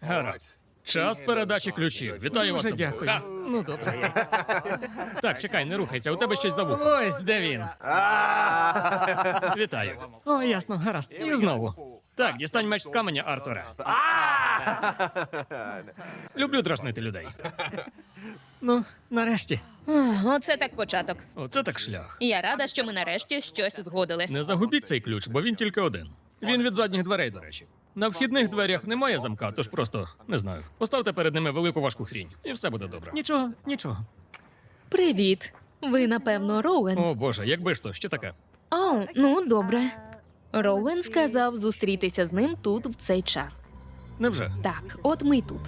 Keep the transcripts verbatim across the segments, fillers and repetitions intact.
Гаразд. Час передачі ключів. Вітаю вас. Дуже обох. дякую. Ха. Ну, добре. Так, чекай, не рухайся, у тебе щось за вухом. Ось де він. Вітаю. О, ясно, гаразд. І знову. Так, дістань меч з каменя, Артуре. Люблю дражнити людей. Ну, нарешті. Ах, Оце так початок. Оце так шлях. Я рада, що ми нарешті щось узгодили. Не загубіть цей ключ, бо він тільки один. Він від задніх дверей, до речі. На вхідних дверях немає замка, тож просто, не знаю, поставте перед ними велику важку хрінь, і все буде добре. Нічого, нічого. Привіт. Ви, напевно, Роуен. О, Боже, якби ж то, що таке? О, ну добре. Роуен сказав зустрітися з ним тут в цей час. Невже? Так, от ми й тут.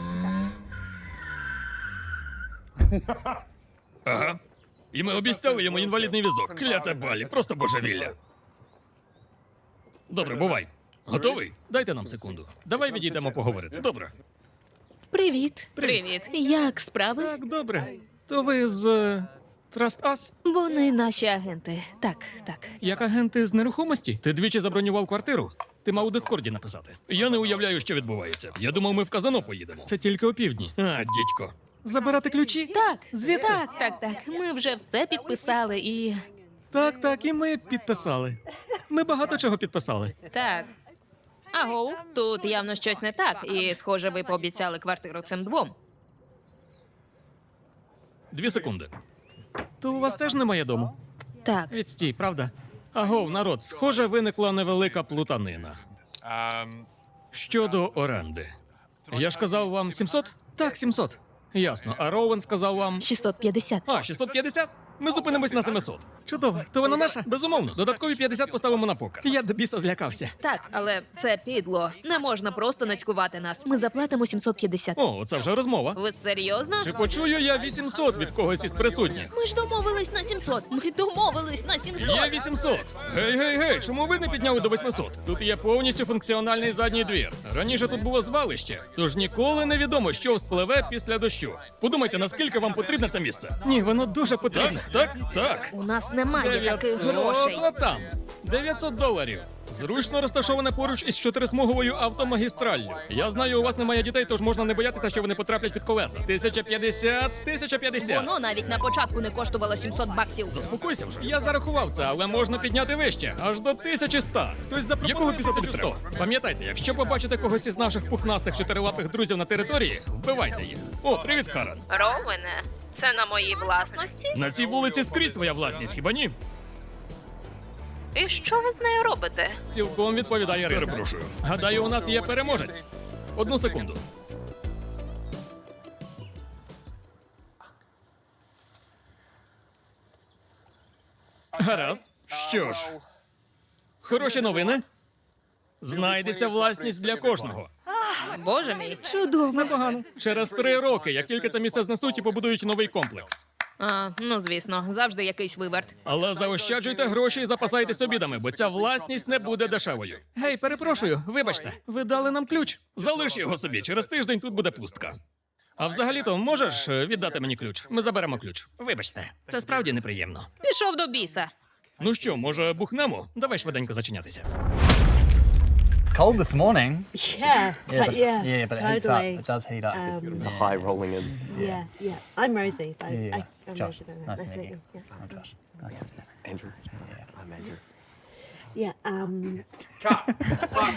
Ага. І ми обіцяли йому інвалідний візок. Кляте балі, просто божевілля. Добре, бувай. Готовий? Дайте нам секунду. Давай відійдемо поговорити. Добре. Привіт. Привіт. Як справи? Так, добре. То ви з е, Trust Us? Вони наші агенти. Так, так. Як агенти з нерухомості? Ти двічі забронював квартиру? Ти мав у Дискорді написати. Я не уявляю, що відбувається. Я думав, ми в казино поїдемо. Це тільки опівдні. А, дідько. Забирати ключі? Так, Звідси? Так, так, так. Ми вже все підписали і. Так, так, і ми підписали. Ми багато чого підписали. Так. Агоу, тут явно щось не так, і, схоже, ви пообіцяли квартиру цим двом. Дві секунди. То у вас теж немає дому? Так. Відстій, правда? Агов, народ, схоже, виникла невелика плутанина. Щодо оренди. Я ж казав вам сімсот? Так, сімсот. Ясно. А Роуен сказав вам... шістсот п'ятдесят. А, шістсот п'ятдесят? Ми зупинимось на семисот. Чудово. То вона наша? Безумовно. Додаткові п'ятдесят поставимо на покер. Я до біса злякався. Так, але це підло. Не можна просто нацькувати нас. Ми заплатимо сімсот п'ятдесят. О, це вже розмова. Ви серйозно? Чи почую я вісімсот від когось із присутніх? Ми ж домовились на сімсот. Ми домовились на сімсот. Є вісімсот. Гей, гей, гей, чому ви не підняли до восьмисот? Тут є повністю функціональний задній двір. Раніше тут було звалище, тож ніколи не відомо, що вспливе після дощу. Подумайте, наскільки вам потрібне це місце. Ні, воно дуже потрібне. Так, так, так. У нас немає таких грошей. От там. дев'ятсот доларів. Зручно розташоване поруч із чотирисмуговою автомагістраллю. Я знаю, у вас немає дітей, тож можна не боятися, що вони потраплять під колеса. тисяча п'ятдесят, тисяча п'ятдесят. Воно навіть на початку не коштувало сімсот баксів. Заспокойся вже. Я зарахував це, але можна підняти вище. Аж до тисячі ста. Хтось запропонує якого після тисячу сто. Пам'ятайте, якщо побачите когось із наших пухнастих чотирилапих друзів на території, вбивайте їх. О, привіт, Карен. Роуене, це на моїй власності? На цій вулиці скрізь твоя власність, хіба ні? І що ви з нею робите? Цілком відповідає ринок. Перепрошую. Гадаю, у нас є переможець. Одну секунду. Гаразд. Що ж, хороші новини. Знайдеться власність для кожного. Боже мій, чудово. Непогано. Через три роки, як тільки це місце знесуть і побудують новий комплекс. А, ну звісно, завжди якийсь виверт. Але заощаджуйте гроші і запасайтесь обідами, бо ця власність не буде дешевою. Гей, перепрошую, вибачте, ви дали нам ключ. Залиш його собі, через тиждень тут буде пустка. А взагалі-то можеш е, віддати мені ключ? Ми заберемо ключ. Вибачте, це справді неприємно. Пішов до біса. Ну що, може, бухнемо? Давай швиденько зачинятися. Cold this morning. Yeah, Yeah, but but, yeah, yeah, but it heats totally. up. It does heat up. Um, The high rolling in. yeah, yeah. I'm Rosie. I, yeah, yeah. I, I'm Josh, Rosie. nice to meet you. Yeah. I'm Josh. Nice to meet you. Andrew. I'm Andrew. Yeah. Um,